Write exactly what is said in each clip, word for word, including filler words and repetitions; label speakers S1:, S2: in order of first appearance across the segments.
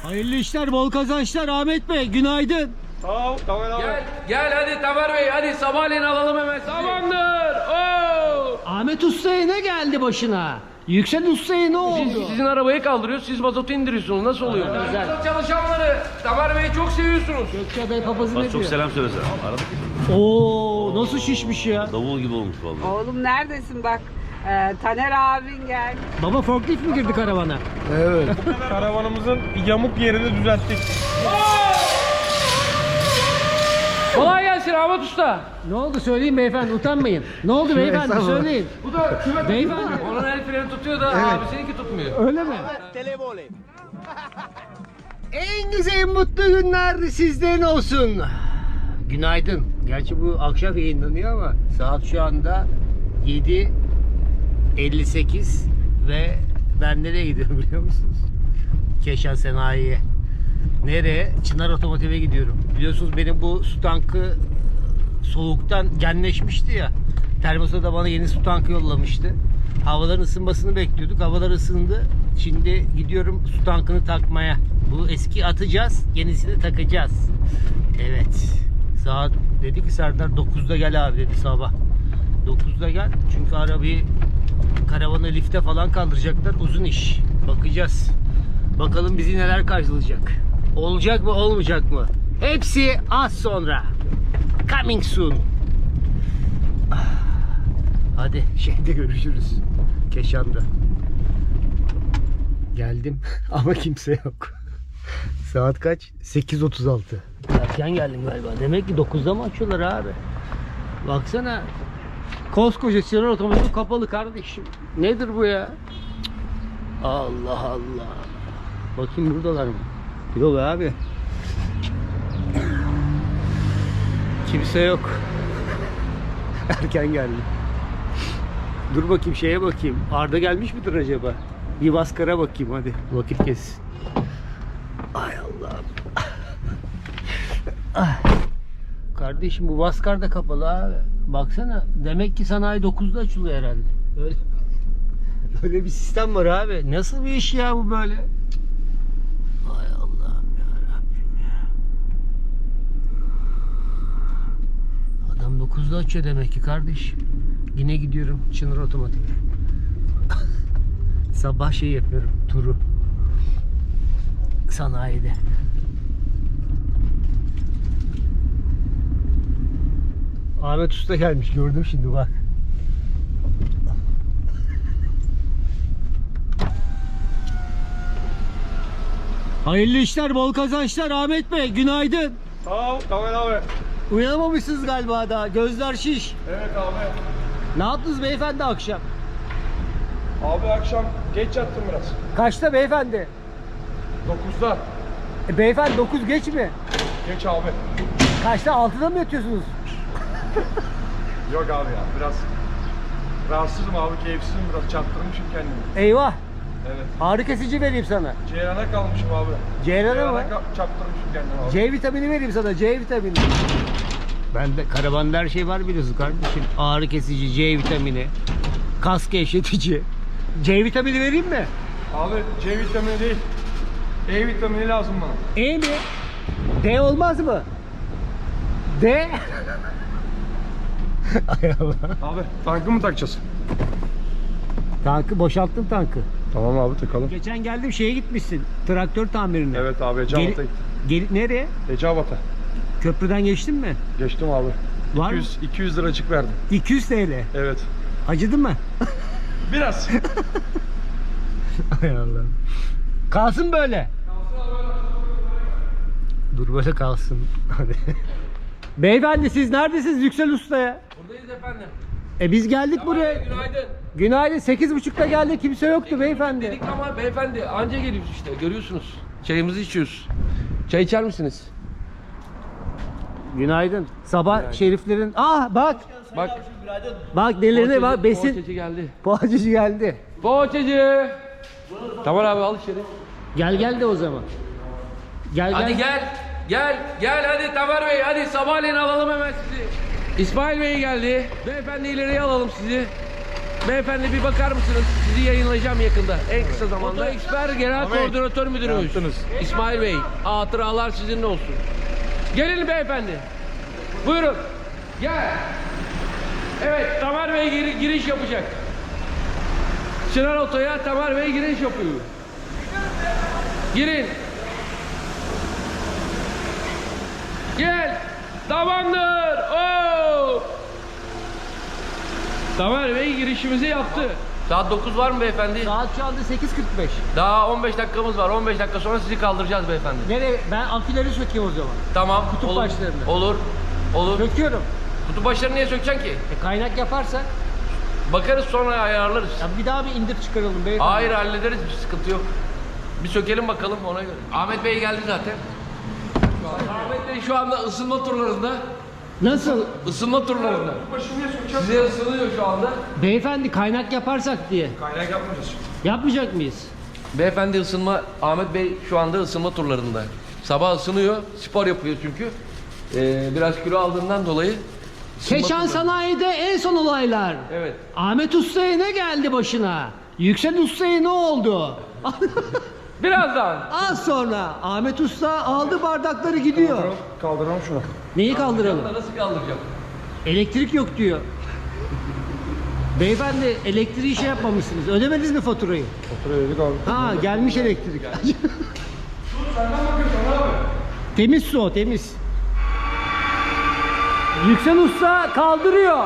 S1: Hayırlı işler, bol kazançlar Ahmet Bey. Günaydın.
S2: Sağ ol Tamer abi.
S3: Gel, gel hadi Tamer Bey, hadi sabahleyin alalım hemen. Tamamdır. Oo!
S1: Ahmet Usta'ya ne geldi başına? Yüksel Usta'ya ne oldu?
S3: Biz sizin arabayı kaldırıyoruz, siz mazotu indiriyorsunuz. Nasıl oluyor?
S1: Aa, güzel.
S3: Mazot çalışanları, Tamer Bey'i çok seviyorsunuz.
S1: Gökçe Bey papazı ne
S4: Çok
S1: diyor?
S4: selam söylesene. Aradık.
S1: Oo, nasıl şişmiş ya?
S4: Davul gibi olmuş vallahi.
S5: Oğlum neredesin bak. Ee, Taner abin geldi.
S1: Baba forklift mi girdi karavana?
S2: Karavanımızın yamuk yerini düzelttik.
S3: Kolay gelsin Ahmet Usta.
S1: Ne oldu söyleyin beyefendi, utanmayın. Ne oldu beyefendi söyleyin.
S3: Bu da küme
S1: Beyefendi.
S3: Onun el freni tutuyor da abi seninki tutmuyor.
S1: Öyle mi? En güzel mutlu günler sizden olsun. Günaydın. Gerçi bu akşam yayınlanıyor ama saat şu anda yedi elli sekiz ve ben nereye gidiyorum biliyor musunuz? Keşan Sanayi'ye. Nereye? Çınar Otomotiv'e gidiyorum. Biliyorsunuz benim bu su tankı soğuktan genleşmişti ya. Termosa da bana yeni su tankı yollamıştı. Havaların ısınmasını bekliyorduk. Havalar ısındı. Şimdi gidiyorum su tankını takmaya. Bu eski atacağız. Yenisini takacağız. Evet. Saat dedi ki Serdar dokuzda gel abi dedi sabah. dokuzda gel. Çünkü arabayı karavanı lifte falan kaldıracaklar. Uzun iş. Bakacağız. Bakalım bizi neler karşılayacak. Olacak mı olmayacak mı? Hepsi az sonra. Coming soon. Hadi şeyde görüşürüz. Keşan'da. Geldim ama kimse yok. Saat kaç? sekiz otuz altı. Erken geldim galiba. Demek ki dokuzda mı açıyorlar abi? Baksana. Koskoca Çınar Otomotiv kapalı kardeşim. Nedir bu ya? Allah Allah. Bakayım buradalar mı? Yok abi. Kimse yok. Erken geldim. Dur bakayım şeye bakayım. Arda gelmiş midir acaba? Bir Vaskara bakayım hadi. Vakit kessin. Ay Allah'ım. Ah. Kardeşim bu Vaskar da kapalı abi. Baksana. Demek ki sanayi dokuzda açılıyor herhalde. Öyle. Öyle bir sistem var abi. Nasıl bir iş ya bu böyle? Ay Allah'ım ya Rabbim ya. Adam dokuzda açıyor demek ki kardeşim. Yine gidiyorum Çınar Otomotiv'e. Sabah şey yapıyorum, turu. Sanayide. Ahmet Usta gelmiş, gördüm şimdi bak. Hayırlı işler, bol kazançlar Ahmet Bey. Günaydın.
S2: Sağ ol Tamer abi.
S1: Uyanamamışsınız galiba daha. Gözler şiş.
S2: Evet abi.
S1: Ne yaptınız beyefendi akşam?
S2: Abi akşam geç yattım biraz.
S1: Kaçta beyefendi?
S2: dokuzda.
S1: E, beyefendi dokuz geç mi?
S2: Geç abi.
S1: Kaçta? altıda mı yatıyorsunuz?
S2: Yok abi ya biraz rahatsızım abi, keyifsizim, biraz çarptırmışım kendimi.
S1: Eyvah.
S2: Evet.
S1: Ağrı kesici vereyim sana.
S2: Ceyran'a kalmışım abi.
S1: Ceyran'a mı?
S2: ka- çarptırmışım kendimi abi.
S1: C vitamini vereyim sana. C vitamini. Bende karavanda her şey var biliyorsun kardeşim. Ağrı kesici, C vitamini, kas gevşetici. C vitamini vereyim mi?
S2: Abi C vitamini değil. E vitamini lazım bana.
S1: E mi? D olmaz mı? D? Ay Allah.
S2: Abi tankı mı takacağız?
S1: Tankı boşalttım tankı.
S2: Tamam abi takalım.
S1: Geçen geldim şeye gitmişsin. Traktör tamirine.
S2: Evet abi Eceabat'a
S1: Geri-
S2: gittim.
S1: Geri, nereye?
S2: Eceabat'a.
S1: Köprüden geçtin mi?
S2: Geçtim abi.
S1: Var mı?
S2: iki yüz, iki yüz liracık verdim.
S1: iki yüz T L.
S2: Evet.
S1: Acıdı mı?
S2: Biraz.
S1: Hay Allah'ım. Kalsın böyle. Dur böyle kalsın. Hadi. Beyefendi siz neredesiniz Yüksel Usta'ya?
S3: Buradayız efendim.
S1: E biz geldik
S3: Tamer
S1: buraya.
S3: Bey, günaydın.
S1: Günaydın. sekiz buçukta geldik. Kimse yoktu beyefendi.
S3: Dedik ama beyefendi anca geliyoruz işte, görüyorsunuz. Çayımızı içiyoruz. Çay içer misiniz?
S1: Günaydın. Sabah şeriflerin... Ah bak.
S3: Bak.
S1: Bak nelerine bak. Besin.
S3: Poğaçacı geldi.
S1: Poğaçacı geldi.
S3: Poğaçacı. Tamam abi al içeri.
S1: Gel gel de o zaman. Gel
S3: Hadi gel. Gel. Gel hadi Tamer Bey, hadi sabahleyin alalım hemen sizi. İsmail Bey geldi. Beyefendi ileriye alalım sizi. Beyefendi bir bakar mısınız? Sizi yayınlayacağım yakında. En kısa zamanda. Oto Expert Genel Koordinatör Müdürümüz.
S2: Yaptınız.
S3: İsmail Bey. Hatıralar sizinle olsun. Gelin beyefendi. Buyurun. Gel. Evet, Tamer Bey gir- giriş yapacak. Çınar Oto'ya Tamer Bey giriş yapıyor. Girin. Gel. Tamamdır. Oo. Tamer Bey girişimizi yaptı. Saat dokuz var mı beyefendi?
S1: Saat şu anda sekiz kırk beş.
S3: Daha on beş dakikamız var. on beş dakika sonra sizi kaldıracağız beyefendi.
S1: Nereye? Ben amfileri sökeyim o zaman.
S3: Tamam.
S1: Kutup
S3: olur.
S1: başlarını.
S3: Olur. Olur.
S1: Söküyorum.
S3: Kutup başlarını niye sökeceksin ki?
S1: E, kaynak yaparsak
S3: Bakarız sonra ayarlarız.
S1: ya bir daha bir indir çıkaralım beyefendi.
S3: Hayır hallederiz, bir sıkıntı yok. Bir sökelim bakalım ona göre. Ahmet Bey geldi zaten. Ahmet Bey şu anda ısınma turlarında.
S1: Nasıl?
S3: Isınma turlarında. Size ısınıyor şu anda.
S1: Beyefendi kaynak yaparsak diye.
S2: Kaynak yapmayacağız.
S1: Yapmayacak mıyız?
S3: Beyefendi ısınma, Ahmet Bey şu anda ısınma turlarında. Sabah ısınıyor, spor yapıyor çünkü. Ee, biraz kilo aldığından dolayı. ısınma
S1: Keşan
S3: turları.
S1: Sanayi'de en son olaylar.
S3: Evet.
S1: Ahmet Usta'ya ne geldi başına? Yüksel Usta'ya ne oldu?
S3: Birazdan.
S1: Az sonra Ahmet Usta aldı bardakları gidiyor.
S2: Kaldıralım, kaldıralım şunu.
S1: Neyi kaldıralım?
S3: Nasıl kaldıracağım?
S1: Elektrik yok diyor. Beyefendi elektriği şey yapmamışsınız. Ödemediniz mi faturayı?
S2: Faturayı ödedik abi.
S1: Ha gelmiş elektrik.
S2: Senden bakıyorsun abi.
S1: Temiz su o temiz. Yüksel Usta kaldırıyor.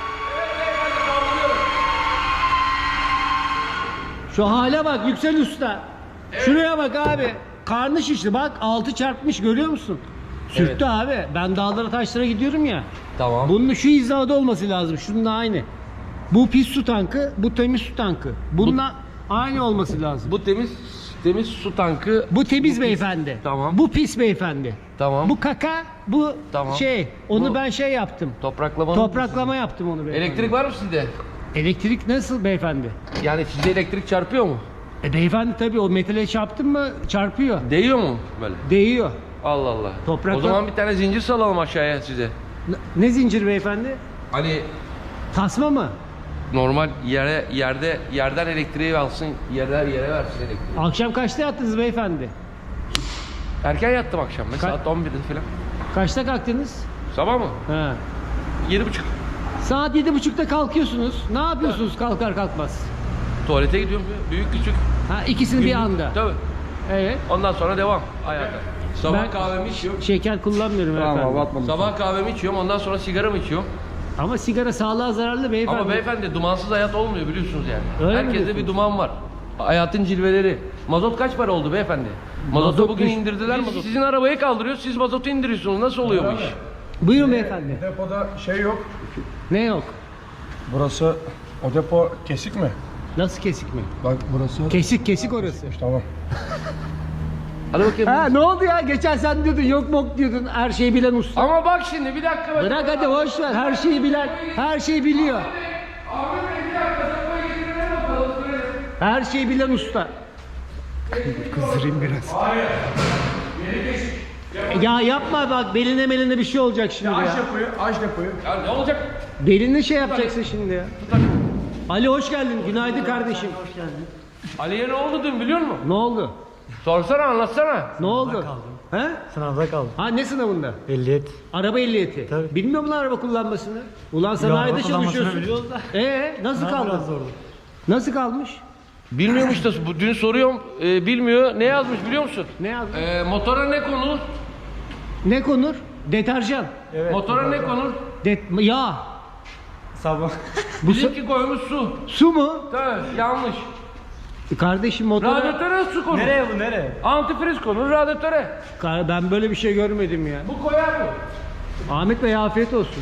S1: Şu hale bak Yüksel Usta. Şuraya bak abi. Karnı şişti bak altı çarpmış görüyor musun? Sürttü
S3: Evet.
S1: abi. Ben dağlara taşlara gidiyorum ya.
S3: Tamam.
S1: Bunun şu hizada olması lazım. Şununla aynı. Bu pis su tankı, bu temiz su tankı. Bununla aynı olması lazım. Bu,
S3: Bu temiz temiz su tankı.
S1: temiz beyefendi.
S3: Tamam.
S1: Bu pis beyefendi.
S3: Tamam.
S1: Bu kaka, bu
S3: Tamam.
S1: şey. Onu
S3: Bu-
S1: ben şey yaptım.
S3: Topraklama.
S1: Topraklama yaptım onu beyefendi.
S3: Elektrik var mı sizde?
S1: Elektrik nasıl beyefendi?
S3: Yani size elektrik çarpıyor mu?
S1: E beyefendi tabii o metale çarptın mı çarpıyor.
S3: Değiyor mu böyle?
S1: Değiyor.
S3: Allah Allah.
S1: Toprakla-
S3: O zaman bir tane zincir salalım aşağıya size.
S1: Ne, ne zincir beyefendi?
S3: Hani
S1: Tasma mı?
S3: normal yere yerde yerden elektriği alsın, yerden yere versin elektriği.
S1: Akşam kaçta yattınız beyefendi?
S3: Erken yattım akşam.
S1: Ka-
S3: Saat on birde falan.
S1: Kaçta kalktınız?
S3: Sabah mı?
S1: Ha.
S3: Yedi buçuk.
S1: Saat yedi buçukta kalkıyorsunuz. Ne yapıyorsunuz kalkar kalkmaz?
S3: Tuvalete gidiyorum. Büyük küçük.
S1: Ha ikisini bir
S3: Günlük.
S1: anda.
S3: Tabii.
S1: Evet.
S3: Ondan sonra devam hayata. Sabah
S1: Ben-
S3: kahvemi içiyorum.
S1: Şeker kullanmıyorum
S2: Tamam
S1: efendim.
S2: abi atmadım.
S3: Sabah kahvemi içiyorum. Ondan sonra sigaramı içiyorum.
S1: Ama sigara sağlığa zararlı beyefendi.
S3: Ama beyefendi dumansız hayat olmuyor biliyorsunuz yani.
S1: Öyle mi
S3: Herkeste bir
S1: diyorsunuz?
S3: duman var. Hayatın cilveleri. Mazot kaç para oldu beyefendi? Mazotu
S1: Mazot
S3: bugün
S1: düş-
S3: indirdiler mazotu. Sizin arabayı kaldırıyor, siz mazotu indiriyorsunuz. Nasıl oluyor bu iş?
S1: Buyurun beyefendi.
S2: Depoda şey yok.
S1: Ne yok?
S2: Burası o depo kesik mi?
S1: Nasıl kesik mi?
S2: Bak burası.
S1: Kesik kesik orası.
S2: Tamam.
S3: Hadi bakayım.
S1: Ha ne oldu ya? Geçen sen diyordun yok mok diyordun. Her şeyi bilen usta.
S3: Ama bak şimdi bir dakika. bak.
S1: Bırak hadi boş ver. Her şeyi bilen, her şeyi biliyor.
S3: Ahmet Bey bir dakika. Depoya getirelim bakalım. görelim.
S1: Her şeyi bilen usta.
S2: Kızdırayım biraz.
S1: Ya yapma bak beline meline bir şey olacak şimdi
S2: Aç
S1: ya.
S2: depoyu, aç depoyu.
S3: Ya ne olacak?
S1: Belini şey yapacaksın şimdi ya. Ali hoş geldin. Günaydın kardeşim.
S3: Ali'ye ne oldu dün biliyor musun?
S1: Ne oldu?
S3: Sorsana anlatsana.
S1: Ne oldu? He?
S4: Sınavda kaldım.
S1: Ha ne sınavında?
S4: Ehliyet.
S1: Araba ehliyeti.
S4: Tabii.
S1: Bilmiyor musun araba kullanmasını? Ulan
S4: araba
S1: sanayide
S4: kullanmasını
S1: çalışıyorsun.
S4: biliyoruz da.
S1: Ee nasıl
S4: Sınav
S1: kaldı?
S4: biraz zordu.
S1: Nasıl kalmış?
S3: Bilmiyormuş da bu- dün soruyorum e, bilmiyor. Ne yazmış biliyor musun?
S1: Ne yazdı?
S3: E, motora ne konur?
S1: Ne konur? Deterjan.
S4: Evet.
S3: Motora ne konur?
S1: Det yağ.
S4: Sabah.
S1: Bu su,
S3: Bizimki koymuş su.
S1: su mu?
S3: Tabii yanlış.
S1: Kardeşim motora...
S3: Radyatöre su konur.
S4: Nereye bu nereye?
S3: Antifriz konur radyatöre.
S1: Kar- Ben böyle bir şey görmedim ya.
S3: Bu koyar mı?
S1: Ahmet Bey afiyet olsun.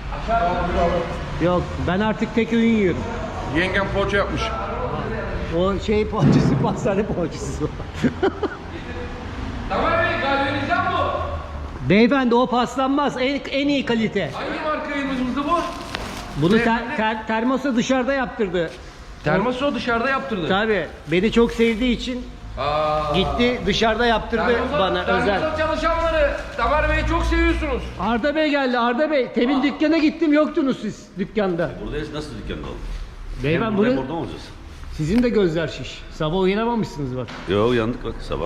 S1: Yok ben artık tek öğün yiyorum.
S2: Yengem poğaça yapmış.
S1: O şey poğaçası, pastane poğaçası.
S3: Tamam Bey galvanizan bu.
S1: Beyefendi o paslanmaz. En, en iyi kalite.
S3: Hangi markayımızdı bu?
S1: Bunu ter, ter- termosa dışarıda yaptırdı.
S3: Termosu o dışarıda yaptırdı.
S1: Tabii beni çok sevdiği için
S3: Aa.
S1: gitti dışarıda yaptırdı
S3: Termosa-
S1: bana
S3: termosa
S1: özel.
S3: çalışanları Tamer Bey'i çok seviyorsunuz.
S1: Arda Bey geldi Arda Bey. Temin dükkana gittim yoktunuz siz dükkanda.
S6: Buradayız, nasıl dükkanda oldu?
S1: Beyefendi
S6: Hem
S1: bunu
S6: burada mı olacağız?
S1: sizin de gözler şiş. Sabah uyanamamışsınız bak.
S6: Yo uyandık bak sabah.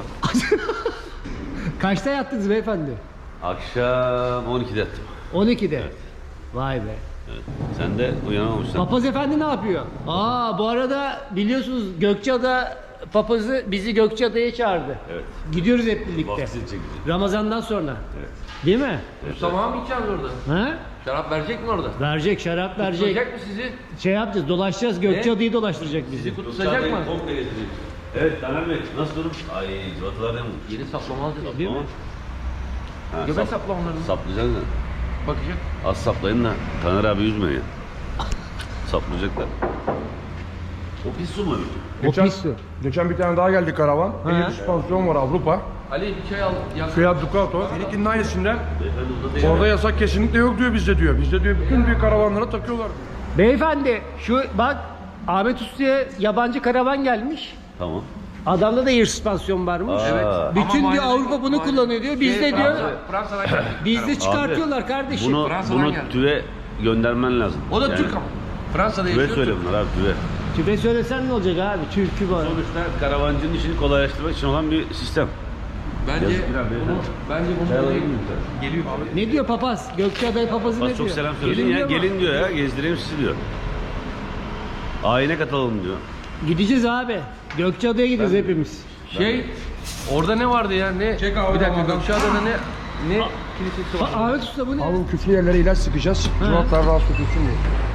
S1: Kaçta yattınız beyefendi?
S6: Akşam on ikide yattım.
S1: on ikide. Vay be.
S6: Evet. Sen de uyanamamışsın.
S1: Papaz efendi ne yapıyor? Aa bu arada biliyorsunuz Gökçeada papazı bizi Gökçeada'ya çağırdı.
S6: Evet.
S1: Gidiyoruz hep birlikte.
S6: Vaftizi çekeceğiz.
S1: Ramazan'dan sonra.
S6: Evet.
S1: Değil mi?
S3: Mustafa mı içeceğiz orada?
S1: Ha?
S3: Şarap verecek mi orada?
S1: Verecek, şarap verecek.
S3: Tutacak mı sizi?
S1: Şey yapacağız, dolaşacağız. Gökçeada'yı dolaştıracak bizi.
S3: Sizi tutacak mı?
S6: Komple gezdireyim. Evet Taner Bey nasıl durum? Ay civatalar mı?
S3: Yeni saplama alacağız değil mi?
S6: Ha,
S3: Göbek
S6: sap,
S3: saplamalarını.
S6: saplayacaksın da.
S3: Bakacak.
S6: Az saplayın da Taner abi üzmeyin. Saplayacaklar. O pis su mu?
S1: O
S2: Geçen,
S1: pis su.
S2: geçen bir tane daha geldi karavan. Elit süspansiyon var Avrupa.
S3: Ali bir çay al. Yak.
S2: Fiat Ducato. Seninkinin aynısından.
S6: Beyefendi burada değil.
S2: Orada yasak kesinlikle yok diyor bizde diyor. Bizde diyor bütün büyük karavanlara takıyorlar.
S1: Beyefendi şu bak Ahmet Usta'ya yabancı karavan gelmiş.
S6: Tamam.
S1: Adamda da air süspansiyon varmış.
S6: Aa. Evet.
S1: Bütün
S3: Ama
S1: diyor
S3: muayene-
S1: Avrupa bunu
S3: muayene-
S1: kullanıyor diyor. Bizde
S3: Şey,
S1: diyor
S3: Fransa- Fransa'dan geldi.
S1: bizde çıkartıyorlar kardeşim.
S6: Bunu,
S3: Fransa'dan
S6: bunu
S3: geldi.
S6: tüve göndermen lazım.
S3: O da
S6: Yani
S3: Türk ama. Fransa'da
S6: Tüve
S3: yaşıyor.
S6: söyle bunlar abi tüve.
S1: Tübe söylesen ne olacak abi? Türkü var.
S6: Sonuçta karavancının işini kolaylaştırmak için olan bir sistem.
S3: Bence
S6: Yazık biraz beyefendi.
S3: bunu, bence bunu
S6: Çay
S3: değil.
S6: alalım mı sen?
S3: Geliyor.
S1: Ne diyor papaz? Gökçeada papazı ne
S6: Bak
S1: diyor?
S6: çok selam söylesin
S1: Gelin
S6: ya.
S1: diyor mu?
S6: Gelin diyor ya. Gezdireyim sizi diyor. Ayine katılalım diyor.
S1: Gideceğiz abi. Gökçeada'ya gideceğiz hepimiz.
S3: Şey, orada ne vardı ya? Ne?
S2: Çek abi,
S3: bir dakika,
S2: adam.
S3: Gökçeada'da ne? Ne kilisesi var?
S1: Aa, Ahmet Usta bu ne?
S2: Abi küflü yerlere ilaç sıkacağız. Civatlar rahatsız etsin diye.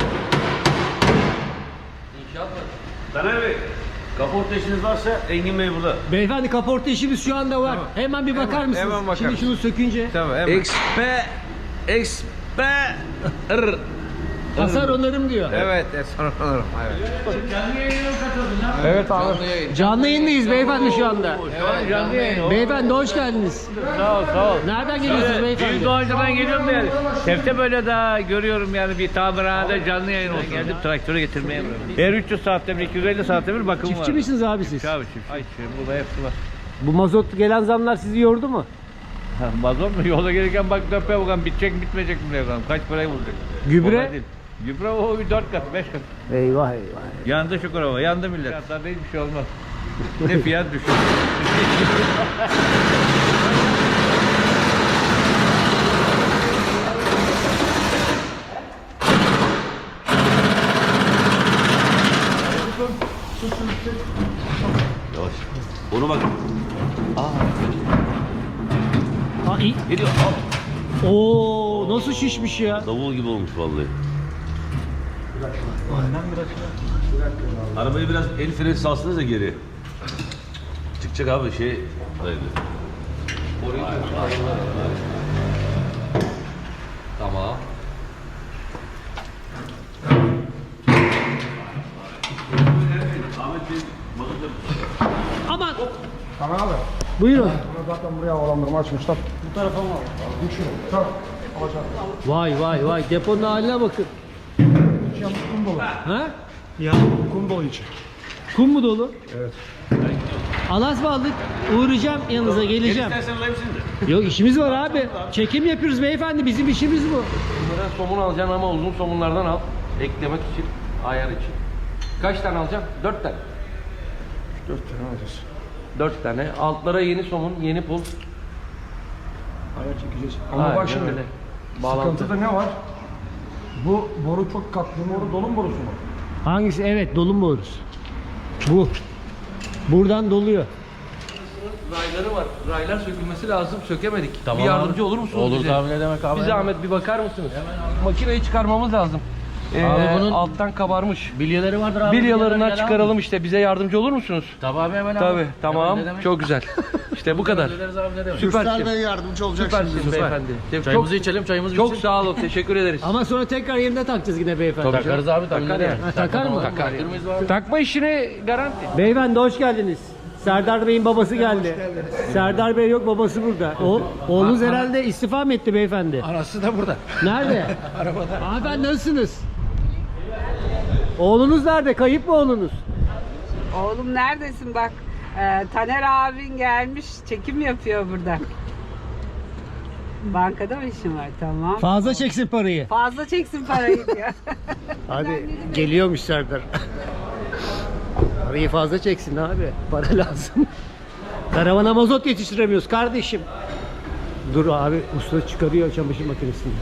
S3: İnşaat var.
S6: Taner Bey, kaporta işiniz varsa Engin Bey burada.
S1: Beyefendi kaporta işimiz şu anda var. Hemen bir bakar mısınız?
S3: hemen bakarım.
S1: Şimdi şunu sökünce.
S3: Tamam, hemen. Expe Expe R.
S1: Hasar onarım diyor.
S3: Evet, sonra alırım. Evet.
S2: Evet abi.
S3: Canlı yayın.
S1: Canlı yayındayız beyefendi şu anda.
S3: Evet, canlı yayın.
S1: Beyefendi hoş geldiniz.
S7: Sağ ol, sağ ol.
S1: Nereden geliyorsunuz beyefendi?
S7: Büyük Doğancı'dan geliyorum da yani. Tefte böyle daha görüyorum yani bir tamirhanede canlı yayın olsun. Geldim traktörü getirmeye. Her üç yüz saatte bir, iki yüz elli saatte bir bakım var.
S1: Çiftçi misiniz abi siz?
S7: Abi çiftçi. Ay çiftçi. Burada hepsi var.
S1: Bu mazot gelen zamlar sizi yordu mu?
S7: Ha, mazot mu? Yolda gelirken bak döpe bakalım bitecek mi bitmeyecek mi diye bakalım. Kaç parayı bulacak?
S1: Gübre?
S7: Kolay değil. Gübre o bir dört kat, beş kat.
S1: Eyvah eyvah.
S7: Yandı şu kurava, yandı millet. Fiyatlarda hiçbir şey olmaz. Ne fiyat düşün.
S6: Yavaş. Onu bak.
S1: Ha, iyi.
S6: Geliyor. Al.
S1: Oo nasıl şişmiş ya?
S6: Davul gibi olmuş vallahi. Arabayı biraz el freni salsınız da geri. Çıkacak abi şey. Haydi.
S3: Tamam.
S6: Ahmet Bey, mazot yapıyor.
S1: Aman.
S2: Tamam abi.
S1: Buyurun.
S2: Bunu zaten buraya havalandırma açmışlar. Bu tarafa mı alalım? Düşün. Tamam. Alacağım.
S1: Vay vay vay deponun haline bakın.
S2: Yalnız kum dolu.
S1: Ha?
S2: Ya kum dolu içi.
S1: Kum mu dolu?
S2: Evet.
S1: Alas mı aldık? Uğrayacağım yanınıza geleceğim.
S6: İstersen alayım seni de.
S1: Yok işimiz var abi. Çekim yapıyoruz beyefendi bizim işimiz bu.
S3: Bunlara somun alacaksın ama uzun somunlardan al. Eklemek için, ayar için. Kaç tane alacaksın? Dört tane.
S2: Dört tane alacağız.
S3: Dört tane. Altlara yeni somun, yeni pul.
S2: Ayar çekeceğiz. Ama
S3: Aynen
S2: bak şimdi.
S3: öyle. Bağlantı.
S2: Sıkıntıda ne var? Bu boru çok katlı. Boru dolum borusu mu?
S1: Hangisi? Evet dolum borusu. Bu. Buradan doluyor.
S3: Rayları var. Raylar sökülmesi lazım. Sökemedik. Bir yardımcı olur musunuz
S7: Olur
S3: bize?
S7: tabii, ne demek abi.
S3: Bir zahmet bir bakar mısınız? Makineyi çıkarmamız lazım. Ee,
S7: Abi bunun-
S3: alttan kabarmış.
S7: Bilyeleri vardır abi.
S3: Bilyalarından çıkaralım işte. Bize yardımcı olur musunuz?
S7: Tabii abi hemen abi.
S3: Tabii. Tamam.
S7: Ne demek?
S3: Çok güzel. İşte bu kadar.
S7: Hallederiz abi ne demek.
S3: Süpersiniz.
S2: yardımcı olacaksınız.
S3: Süpersiniz beyefendi.
S7: Çayımızı
S3: Çok,
S7: içelim, çayımızı
S3: çok
S7: bitsin.
S3: sağ olun. Teşekkür ederiz.
S1: Ama sonra tekrar yerine takacağız yine beyefendi.
S7: Takarız abi, tabii.
S3: Takar
S7: ne
S3: ya.
S7: demek.
S1: Ha, takar mı?
S3: Takar.
S7: Taktırmayız abi.
S3: Takma işine garanti.
S1: Beyefendi hoş geldiniz. Serdar Bey'in babası geldi. Serdar Bey yok babası burada. O, oğlunuz herhalde istifa mı etti beyefendi?
S7: Anası da burada.
S1: Nerede? Arabada. Hanımefendi nasılsınız? Oğlunuz nerede? Kayıp mı oğlunuz?
S5: Oğlum neredesin bak. Ee, Taner abin gelmiş çekim yapıyor burada. Bankada mı işin var? Tamam.
S1: Fazla çeksin parayı.
S5: Fazla çeksin parayı diyor.
S1: Hadi geliyormuş Serdar. Parayı fazla çeksin abi. Para lazım. Karavana mazot yetiştiremiyoruz kardeşim. Dur abi, usta çıkarıyor çamaşır makinesini.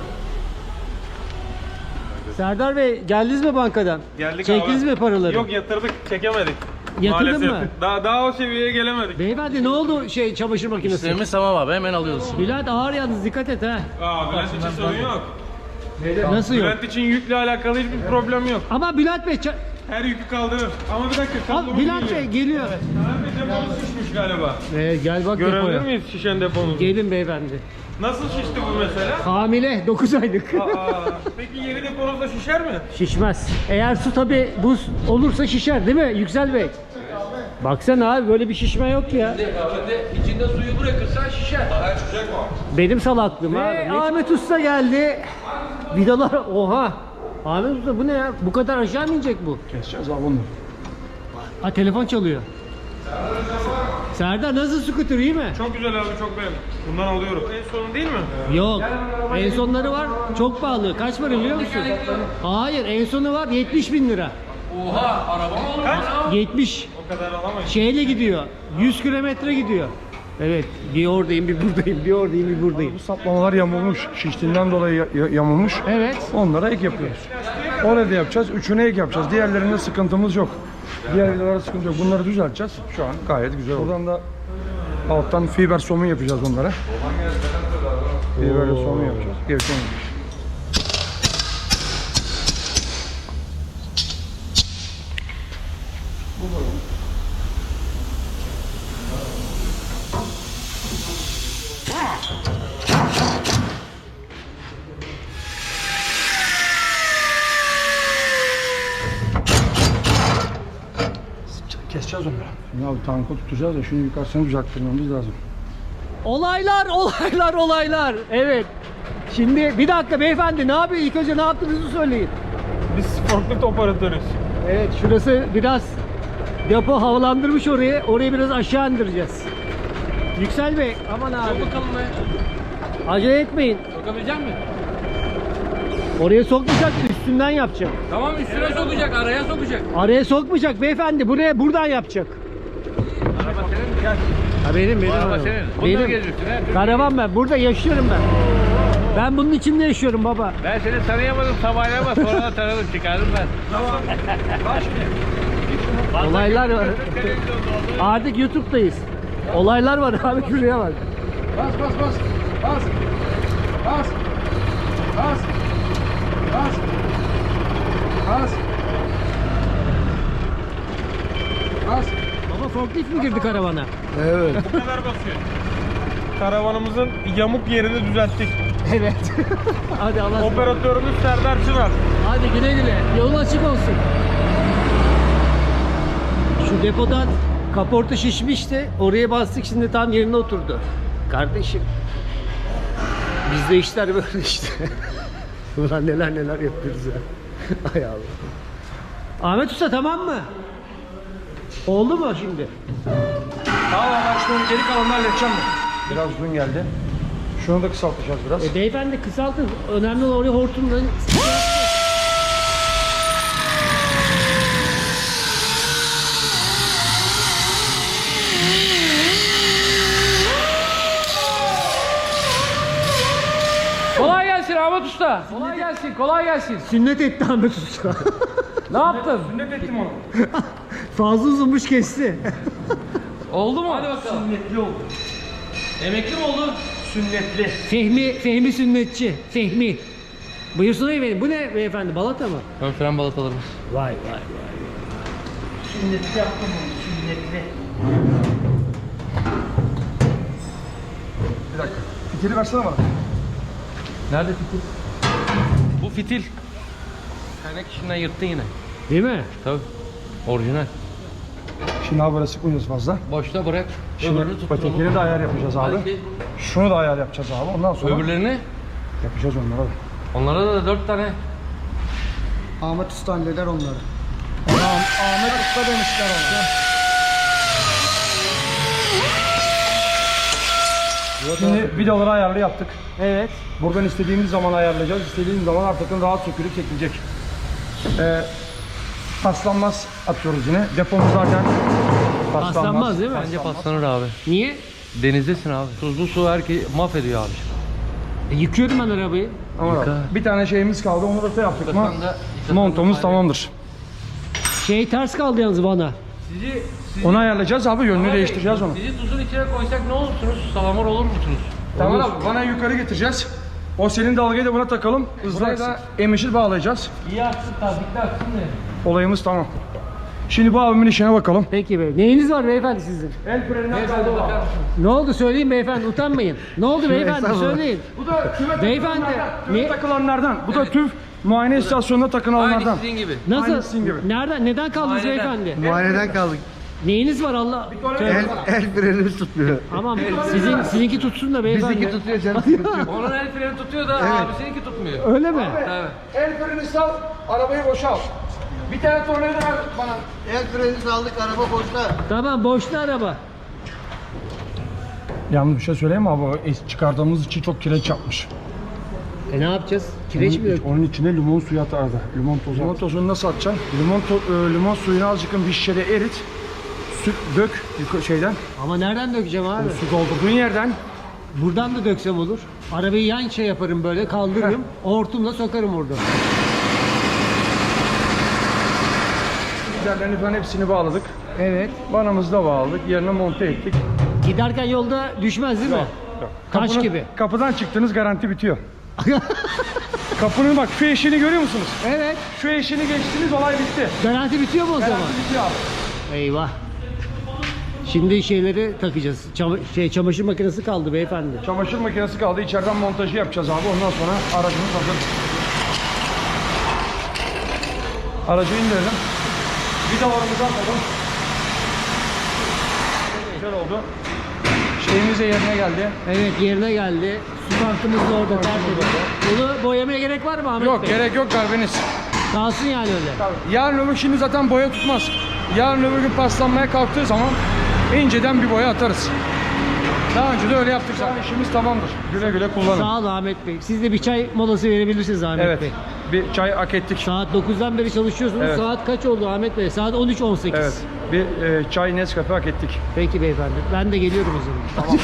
S1: Serdar Bey, geldiniz mi bankadan?
S8: Geldik
S1: Çektiniz
S8: abi.
S1: mi paraları?
S8: Yok yatırdık, çekemedik.
S1: Yatırdın
S8: Maalesef.
S1: mı?
S8: Daha daha o seviyeye gelemedik.
S1: Beyefendi ne oldu şey çamaşır makinesi?
S3: İşlerimiz tamam abi, hemen alıyoruz.
S1: Bülent ağır yalnız, dikkat et ha.
S8: Aa, Bülent için sorun yok.
S1: Nasıl yok?
S8: Bülent için yükle alakalı hiçbir problem yok.
S1: Ama Bülent Bey, ça-
S8: Her yükü kaldırır. Ama bir dakika,
S1: Al,
S8: kablomuz
S1: Bülent
S8: geliyor.
S1: Bey geliyor.
S8: Abi deposu şişmiş galiba.
S1: Ee, gel bak
S8: Görebilir
S1: depoya.
S8: miyiz şişen deponuzu?
S1: Gelin beyefendi.
S8: Nasıl şişti bu mesela?
S1: Hamile dokuz aylık.
S8: Aa, peki yeni deponuz da şişer mi?
S1: Şişmez. Eğer su tabi buz olursa şişer değil mi Yüksel Bey? Baksana abi, böyle bir şişme yok ya.
S3: İçinde, içinde suyu bırakırsan şişer.
S1: Benim salaklığım abi. Ve Ahmet Usta geldi. Vidalar oha. Ahmet Usta bu ne ya? Bu kadar aşağı mı inecek bu?
S2: Keseceğiz abi bunu.
S1: Ha, telefon çalıyor. Serdar nasıl scooter, iyi mi?
S8: Çok güzel abi, çok beğendim. Bundan alıyorum. En sonu değil mi?
S1: Yok. En sonları var. Çok pahalı. Kaç para biliyor musun? Hayır, en sonu var yetmiş bin lira.
S3: Oha, araba mı olur lan?
S1: yetmiş.
S8: O kadar alamayız.
S1: Şeyle gidiyor. yüz kilometre gidiyor. Evet. Bir oradayım, bir buradayım. Bir oradayım, bir buradayım.
S2: Bu saplamalar yamulmuş. Şiştiğinden dolayı ya- ya- yamulmuş.
S1: Evet.
S2: Onlara ek yapıyoruz. Orada da yapacağız. Üçüne ek yapacağız. Diğerlerinde sıkıntımız yok. Diğer vidalarda sıkıntı yok. Bunları düzelteceğiz. Şu an gayet güzel oldu. Buradan da alttan fiber somun yapacağız onlara. Fiberle somun yapacağız. Gerisi olmayacak. Keseceğiz onları. Şimdi abi tankı tutacağız da şunu yukarısını düzelttirmemiz lazım.
S1: Olaylar, olaylar, olaylar. Evet. Şimdi bir dakika beyefendi, ne yapıyor? İlk önce ne yaptığınızı söyleyin.
S8: Biz forklift operatörüz.
S1: Evet, şurası biraz depo havalandırmış orayı. Orayı biraz aşağı indireceğiz. Yüksel Bey, aman abi.
S3: Sok bakalım be.
S1: Acele etmeyin.
S3: Sokabilecek misin?
S1: Oraya sokmayacak, üstünden yapacak.
S3: Tamam, üstüne sokacak, araya sokacak.
S1: Araya sokmayacak beyefendi, buraya buradan yapacak.
S7: Araba senin mi? Gel.
S1: Ha benim, benim.
S7: Araba
S1: arabam.
S7: senin. Bununla
S1: Benim.
S7: geziyorsun ha.
S1: Karavan ben, burada yaşıyorum ben. Ben bunun içinde yaşıyorum baba.
S7: Ben seni tanıyamadım sabahleyin ama sonra da tanıdım, çıkardım ben.
S1: Olaylar var. Artık YouTube'dayız. Olaylar var abi, şuraya bak.
S2: Bas bas bas. Bas. Bas. Bas. Bas. Bas. Bas.
S1: Baba forklift mi girdi karavana?
S2: Evet.
S8: Bu kadar basıyor. Karavanımızın yamuk yerini düzelttik.
S1: Evet. Hadi Allah ısmarladık.
S8: Operatörümüz Serdar Çınar.
S1: Hadi güle güle. Yolun açık olsun. Şu depodan kaporta şişmişti. Oraya bastık, şimdi tam yerine oturdu. Kardeşim. Bizde işler böyle işte. Ulan neler neler yapıyoruz ya. Hay Allah. Ahmet Usta tamam mı? Oldu mu şimdi?
S2: Tamam ben şunu geri kalanını halledeceğim ben. Biraz uzun geldi. Şunu da kısaltacağız biraz.
S1: E beyefendi kısaltın. Önemli olan oraya hortumla.
S3: Kolay gelsin Ahmet Usta. Kolay gelsin, kolay gelsin.
S1: Sünnet etti Ahmet Usta.
S3: Ne yaptın?
S8: Sünnet ettim onu.
S1: Fazla uzunmuş, kesti.
S3: Oldu mu? Hadi bakalım.
S8: Sünnetli oldu.
S3: Emekli mi oldu?
S8: Sünnetli.
S1: Fehmi, Fehmi sünnetçi. Fehmi. Buyursun efendim. Bu ne beyefendi? Balata mı?
S3: Ön fren balatalarımız.
S1: Vay vay vay.
S8: Sünnetli yaptım onu. Sünnetli.
S2: Bir dakika. Fitili versene bana.
S3: Nerede fitil? Bu fitil. Kaynak işinden yırttın yine.
S1: Değil mi?
S3: Tabii. Orijinal.
S2: Şimdi abi böyle sıkmayacağız fazla.
S3: Boşta bırak.
S2: Şimdi
S3: Öbürünü tutturalım.
S2: patikleri de ayar yapacağız abi.
S3: Belki
S2: Şunu da ayar yapacağız abi. Ondan sonra
S3: öbürlerini.
S2: yapacağız onlara da.
S3: Onlara da dört tane.
S2: Ahmet Usta halleder onları. Ahmet Usta demişler ona. Şimdi vidaları ayarlı yaptık.
S1: Evet.
S2: Buradan istediğimiz zaman ayarlayacağız. İstediğimiz zaman artık rahat sökülüp çekilecek. Ee, paslanmaz atıyoruz yine. Depomuz zaten paslanmaz.
S1: Paslanmaz değil mi?
S4: Bence paslanır abi.
S1: Niye?
S4: Denizdesin abi. Tuzlu su herkes mahvediyor abi.
S1: E, yıkıyorum ben arabayı.
S2: Ama bir tane şeyimiz kaldı. Onu da şey yaptık mı? Montumuz tamamdır.
S1: Şey ters kaldı yalnız bana.
S3: Sizi, sizi
S2: Onu ayarlayacağız abi. Yönünü
S3: Tamer Bey,
S2: değiştireceğiz onu.
S3: Sizi tuzun içine koysak ne olursunuz? Salamur olur musunuz?
S2: Tamam abi. Bana yukarı getireceğiz. O senin dalgayı da buna takalım. Buraya da emişir bağlayacağız.
S3: İyi aksın, tazikli aksın ne?
S2: Olayımız tamam. Şimdi bu abimin işine bakalım.
S1: Peki bey. Neyiniz var beyefendi sizin?
S2: El freninden
S3: Beyefendi
S2: kaldı
S3: bakar
S2: abi.
S3: mısınız?
S1: Ne oldu söyleyin beyefendi, utanmayın. Ne oldu beyefendi söyleyin.
S2: Bu da tüve
S1: Beyefendi,
S2: takılanlardan.
S1: ne-
S2: Tüve takılanlardan. Bu da TÜV muayene istasyonuna
S3: Aynı
S2: takılanlardan.
S3: sizin gibi.
S1: Nasıl?
S2: Aynı sizin gibi.
S1: Nereden? Neden kaldınız
S3: Muayeneden.
S1: beyefendi?
S9: Muayeneden kaldık.
S1: Neyiniz var Allah?
S9: El, el frenimiz tutmuyor.
S1: Aman sizin sizinki tutsun da beyefendi.
S9: Bizimki tutuyor canım. sıkıntı yok.
S3: Onun el freni tutuyor da abisininki tutmuyor.
S1: Öyle mi?
S3: Evet.
S2: El freni sal, arabayı boşalt. Bir tane tornavida ver bana.
S9: El frenimizi aldık, araba boşta.
S1: Tamam boşta araba.
S2: Yalnız bir şey söyleyeyim mi abi? O es- Çıkardığımız içi çok kireç yapmış.
S1: E ne yapacağız? Kireç mi yok?
S2: Onun içine limon suyu at arada. Limon tozu. Limon tozunu nasıl atacaksın? Limon, to- e, limon suyunu azıcık bir şişede erit. Süt dök yuka- şeyden.
S1: Ama nereden dökeceğim abi?
S2: Su doldurduğun yerden.
S1: Buradan da döksem olur. Arabayı yan şey yaparım böyle kaldırırım. Hortumla sokarım orada.
S2: Giderlerini falan hepsini bağladık.
S1: Evet.
S2: Vanamızı da bağladık. Yerine monte ettik.
S1: Giderken yolda düşmez değil mi? Taş
S2: Kapının-
S1: gibi.
S2: Kapıdan çıktınız garanti bitiyor. Kapının bak şu eşiğini görüyor musunuz?
S1: Evet.
S2: Şu eşiğini geçtiniz olay bitti.
S1: Garanti bitiyor mu o zaman?
S2: Garanti bitiyor abi.
S1: Eyvah. Şimdi şeyleri takacağız. Çama- şey çamaşır makinesi kaldı beyefendi.
S2: Çamaşır makinesi kaldı. İçeriden montajı yapacağız abi. Ondan sonra aracımız hazır. Aracı indirelim. Vidalarımızı atalım. Güzel oldu. Şeyimiz de yerine geldi.
S1: Evet yerine geldi. Su tankımız da orada tertemiz. Bunu boyamaya gerek var mı Ahmet
S2: Yok
S1: Bey?
S2: gerek yok garbeniz.
S1: Kalsın yani öyle.
S2: Yarın öbür şimdi zaten boya tutmaz. Yarın öbür gün paslanmaya kalktığı zaman inceden bir boya atarız. Daha önce de öyle yaptık zaten. İşimiz tamamdır. Güle güle kullanın.
S1: Sağ ol Ahmet Bey. Siz de bir çay molası verebilirsiniz Ahmet
S2: Evet.
S1: Bey.
S2: Bir çay hak ettik.
S1: Saat dokuzdan beri çalışıyorsunuz.
S2: Evet.
S1: Saat kaç oldu Ahmet Bey? Saat on üç on sekiz.
S2: Evet. Bir e, çay Nescafe hak ettik.
S1: Peki beyefendi. Ben de geliyorum o zaman.
S2: Tamam.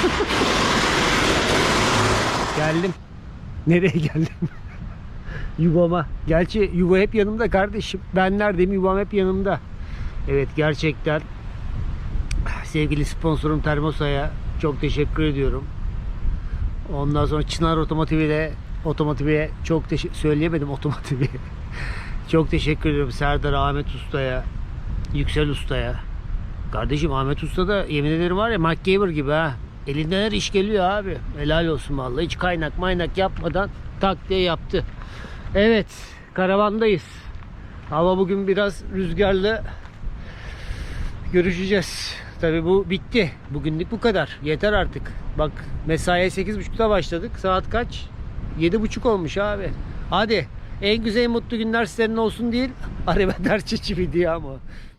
S1: Geldim. Nereye geldim? Yuvama. Gerçi yuva hep yanımda kardeşim. Ben neredeyim? Yuvam hep yanımda. Evet gerçekten sevgili sponsorum Termosa'ya çok teşekkür ediyorum. Ondan sonra Çınar Otomotiv'e de Otomotiv'e çok teşekkür söyleyemedim Otomotiv'e. Çok teşekkür ediyorum Serdar Ahmet Usta'ya, Yüksel Usta'ya. Kardeşim Ahmet Usta da yemin ederim var ya MacGyver gibi ha. Elinden her iş geliyor abi. Helal olsun vallahi. Hiç kaynak maynak yapmadan tak diye yaptı. Evet, karavandayız. Hava bugün biraz rüzgarlı. Görüşeceğiz. Tabii bu bitti. Bugünlük bu kadar. Yeter artık. Bak mesaiye sekiz buçukta başladık. Saat kaç? yedi buçuk olmuş abi. Hadi. En güzel mutlu günler senin olsun değil. Araba ders çiçi video ama.